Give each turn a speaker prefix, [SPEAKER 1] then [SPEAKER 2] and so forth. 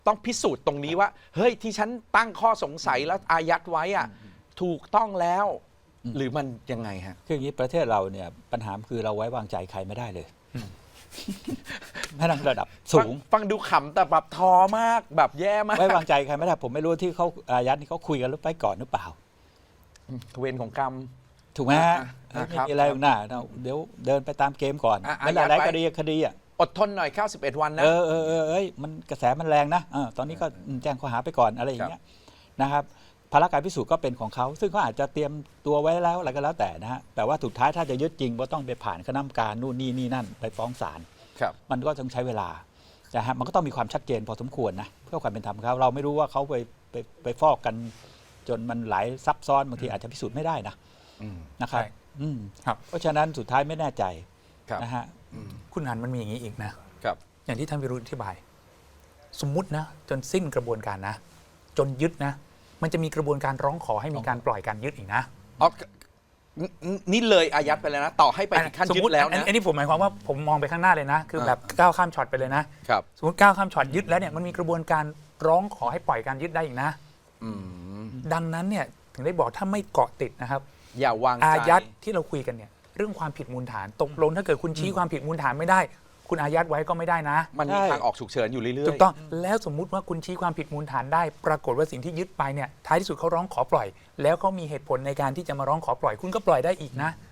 [SPEAKER 1] ต้องพิสูจน์ตรงนี้ว่าเฮ้ยที่ฉันตั้งข้อสงสัยแล้วอายัดไว้อะถูกต้องแล้วหรือมันยังไงฮะ
[SPEAKER 2] คืออย่างนี้ประเทศเราเนี่ยปัญหาคือเราไว้วางใจใครไม่ได้เลยแม้ระดับสูง
[SPEAKER 1] ฟังดูขำแต่แบบทอมากแบบแย่มาก
[SPEAKER 2] ไว้วางใจใครไม่ได้ผมไม่รู้ที่เขาอายัดนี่เขาคุยกันหรือไปก่อนหรือเปล่า
[SPEAKER 1] เวรของกรรม
[SPEAKER 2] ถูกไหมฮะไม่มีอะไรหรอกนะเดี๋ยวเดินไปตามเกมก่อนไม่หลายคดีอ่ะ
[SPEAKER 1] อดทนหน่อย91 วันนะ
[SPEAKER 2] มันกระแสมันแรงนะตอนนี้ก็แจ้งข้อหาไปก่อนอะไรอย่างเงี้ยนะครับภาระการพิสูจน์ก็เป็นของเขาซึ่งเขาอาจจะเตรียมตัวไว้แล้วอะไรก็แล้วแต่นะฮะแต่ว่าสุดท้ายถ้าจะยึดจริงก็ต้องไปผ่านคณะกรรมการนู่นนี่นั่นไปฟ้องศาลมันก็ต้องใช้เวลานะฮะมันก็ต้องมีความชัดเจนพอสมควรนะเพื่อความเป็นธรรมเขาเราไม่รู้ว่าเขาไปฟอกกันจนมันหลายซับซ้อนบางทีอาจจะพิสูจน์ไม่ได้นะครับเพราะฉะนั้นสุดท้ายไม่แน่ใจนะฮะ
[SPEAKER 3] คุณหันมันมีอย่างนี้อีกนะอย่างที่ท่านวิรุธอธิบายสมมุตินะจนสิ้นกระบวนการนะจนยึดนะมันจะมีกระบวนการร้องขอให้มีการปล่อยการยึดอีกนะ
[SPEAKER 1] นี่เลยอายัดไปแล้วนะต่อให้ไปขั้นยึดแล้วนะ
[SPEAKER 3] อันนี้ผมหมายความว่าผมมองไปข้างหน้าเลยนะคือแบบก้าวข้ามช็อตไปเลยนะสมมติก้าวข้ามช็อตยึดแล้วเนี่ยมันมีกระบวนการร้องขอให้ปล่อยการยึดได้อีกนะดังนั้นเนี่ยถึงได้บอกถ้าไม่เกาะติดนะครับ
[SPEAKER 1] อย่าวางใจ
[SPEAKER 3] อายัดที่เราคุยกันเนี่ยเรื่องความผิดมูลฐานตกลงถ้าเกิดคุณชี้ความผิดมูลฐานไม่ได้คุณอายัดไว้ก็ไม่ได้นะ
[SPEAKER 1] มันมีทางออกฉุกเฉินอยู่เรื่อยๆ
[SPEAKER 3] ถูกต้องแล้วสมมุติว่าคุณชี้ความผิดมูลฐานได้ปรากฏว่าสิ่งที่ยึดไปเนี่ยท้ายที่สุดเขาร้องขอปล่อยแล้วเขามีเหตุผลในการที่จะมาร้องขอปล่อยคุณก็ปล่อยได้อีกนะ